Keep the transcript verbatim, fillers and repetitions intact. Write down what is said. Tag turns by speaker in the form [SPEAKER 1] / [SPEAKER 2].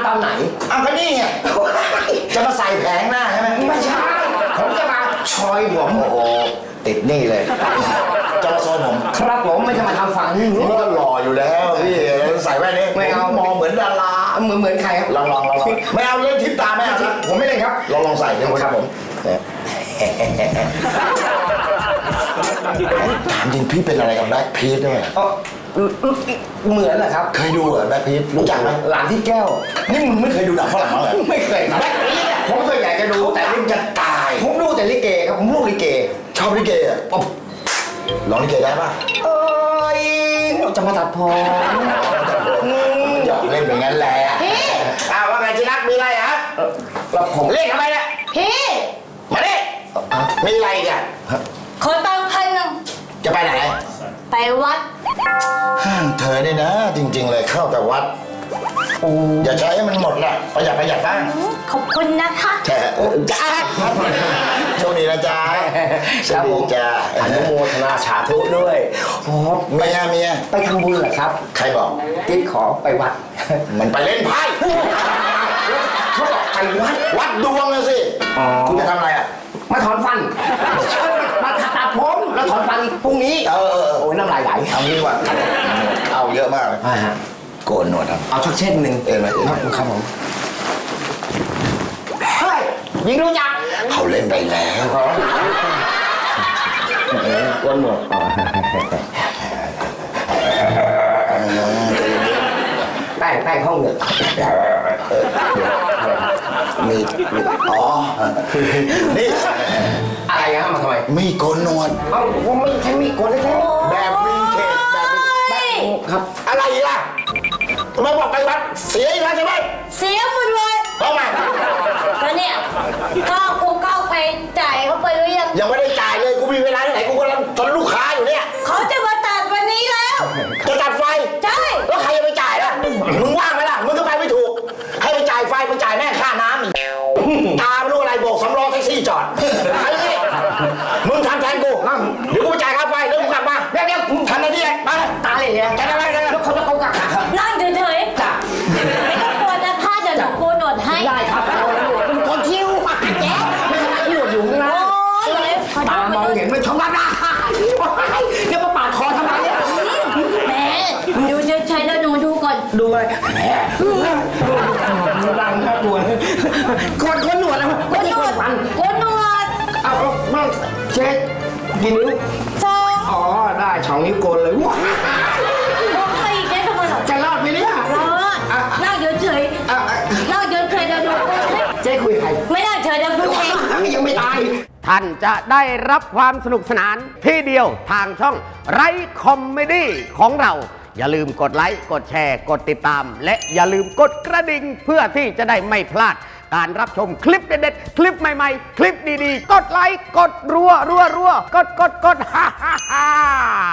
[SPEAKER 1] อนไหน
[SPEAKER 2] อ้าวก็นี่ไงจะมาใส่แผงหน้าใช่ไหม
[SPEAKER 1] ไม่ใช่ผมจะมาชอยผม
[SPEAKER 2] โอ้โหติดนี่เลยจะมาโซนผม
[SPEAKER 1] ครับผมไม่จะมาทำฝั่งนี้
[SPEAKER 2] นี่ก็หล่ออยู่แล้วพี่ใส่แว่นนี้
[SPEAKER 1] ไม่เอา
[SPEAKER 2] มองเหมือนดารา
[SPEAKER 1] เหมือนเหมือนใครครับ
[SPEAKER 2] ลองลองลองไม่เอาเล่นทิพตาไม่เอาครับ
[SPEAKER 1] ผมไม่เล่นครับ
[SPEAKER 2] ลองลองใส่ดูครับผมถามจริงพี่เป็นอะไรกับแบล็คพีทด้วย
[SPEAKER 1] เหมือนเหรอครับ
[SPEAKER 2] เคยดูเหรอแบล็คพีทรู้จักไหม
[SPEAKER 1] หลานที่แก้ว
[SPEAKER 2] นี่มึงไม่เคยดูหนังฝรั่งเลย
[SPEAKER 1] ไม่เคยครับผมเคยอยากจะดู
[SPEAKER 2] แต่มึงจะตาย
[SPEAKER 1] ผมดูแต่ลิเกครับผมลูกลิเก
[SPEAKER 2] ชอบลิเกอ่ะร้องลิเกได้ป่ะ
[SPEAKER 1] เอ้ยจะมาตัดผม
[SPEAKER 2] หยอกเล่นอย่างนั้นแหละอ้าวว่าไงจิรักมีอะไรฮะ
[SPEAKER 1] แล้วผม
[SPEAKER 2] เล่นทำไมเนี่ย
[SPEAKER 3] พี่
[SPEAKER 2] มาดิมีอะไรกัน
[SPEAKER 3] ขอตังค์พันหนึ่ง
[SPEAKER 2] จะไปไหน
[SPEAKER 3] ไปวัด
[SPEAKER 2] เธอนี่นะจริงๆเลยเข้าแต่วัดอย่าใช้ให้มันหมดนะประหยัดประหยัดบ้าง
[SPEAKER 3] ขอบคุณนะคะ
[SPEAKER 2] แช่จ้าโชคดีนะจ๊ะโชคดีจ้า
[SPEAKER 1] อนุโมทนาสาธุด้วย
[SPEAKER 2] โอ้เมียเมีย
[SPEAKER 1] ไปทำบุญเหรอครับ
[SPEAKER 2] ใครบอก
[SPEAKER 1] ติ๊กขอไปวัด
[SPEAKER 2] มันไปเล่นไพ่
[SPEAKER 1] เขาบอกไปวัด
[SPEAKER 2] วัดดวงเลยสิคุณจะทำอะไรอ่ะ
[SPEAKER 1] มาถอนฟันมาตัดผมแล้วถอนฟันพรุ่งนี้
[SPEAKER 2] เออ
[SPEAKER 1] โอ้ยน้ำลายไหล
[SPEAKER 2] เอางี้ว่ะเอาเยอะมากเลยโกนหนวดครับ
[SPEAKER 1] เอาชักเช่นหนึ่ง
[SPEAKER 2] เออไหม
[SPEAKER 1] ครับครับผมเฮ้ยยิงรู้จัก
[SPEAKER 2] เขาเล่นไปแล้ว
[SPEAKER 1] โกนหนวดแป้งแป้งห้องเหนือ
[SPEAKER 2] มีอ๋อนี่
[SPEAKER 1] อะไรฮะมาทำไม
[SPEAKER 2] มีโกนหนวด
[SPEAKER 1] เอ้าผมไม่ใช่มีโกนเลย
[SPEAKER 2] แบบวินเทจแบบ
[SPEAKER 1] ครับ
[SPEAKER 2] อะไรล่ะทำไมบอกไปวัดเสียอีกแล้วใช่ไหม
[SPEAKER 3] เสียหมดเลย
[SPEAKER 2] ทำไม
[SPEAKER 3] แล้วเนี่ยก้าวกูก้าวไปจ่ายเขาไปหรือยัง
[SPEAKER 2] ยังไม่ได้จ่ายเลยกูมีเวลาที่ไหนกูกำลังทนลูกค้าอยู่เนี่ย
[SPEAKER 3] เขาจะมาตัดวันนี้แล้ว
[SPEAKER 2] จะตัดไฟ
[SPEAKER 3] ใช่
[SPEAKER 2] แล้วใครจะไปจ่ายล่ะมึงว่างไหมล่ะมึงก็ไปไม่ถูกให้ไปจ่ายไฟไปจ่ายแม่ค่าน้ำอีกตาไม่รู้อะไรโบกสำรองแท็กซี่จอดไอ้นี่มึงทำแทนกูเดี๋ยวกูจ่ายค่าไฟแล้วกูกลับมาเดี๋ยวเดี๋ยวทำหน้าที่ไป
[SPEAKER 1] ตาเลยเนี่ย
[SPEAKER 2] จะอะไรกัน
[SPEAKER 1] แล้วเขาจะเขากักครับ
[SPEAKER 3] นั่งเฉยๆจ้ะไม่ต้องกลัวนะถ้าจะหนูโกนหนวดให้
[SPEAKER 1] ได้ครับเราหนวดเป็นคนคิ้วแจ๊ไม่ทำไมหนวดอยู่นะตามองเห็นไม่ชมรับได้เดี๋ยวมาปาดคอทำไมเนี่ย
[SPEAKER 3] แม่ดูเฉยๆแล้วหนูดูก่อน
[SPEAKER 1] ดูอะไรดังครับหนวดคนคนหนวดแล้ว
[SPEAKER 3] โกนหนวดโกนหนวด
[SPEAKER 1] เอาไม่เช็คกี่นิ้ว
[SPEAKER 3] สอง
[SPEAKER 1] อ๋อได้สองนิ้วโกนเลยว้า
[SPEAKER 3] บอกไปอีกได้ทำไม
[SPEAKER 1] จะรอดไหมเนี่ย
[SPEAKER 3] รอดนั่งเฉยๆนั่งเฉยๆแล้วดู
[SPEAKER 1] เจ๊คุยใคร
[SPEAKER 3] ไม่นั่งเฉยแล้วดูเอง
[SPEAKER 1] ยังไม่ตายท่านจะได้รับความสนุกสนานที่เดียวทางช่องไรคอมเมดี้ของเราอย่าลืมกดไลค์กดแชร์กดติดตามและอย่าลืมกดกระดิ่งเพื่อที่จะได้ไม่พลาดการรับชมคลิปเด็ดๆคลิปใหม่ๆคลิปดีๆกดไลค์กดรัวรัวรัวกดกดกดฮ่าฮ่าฮ่า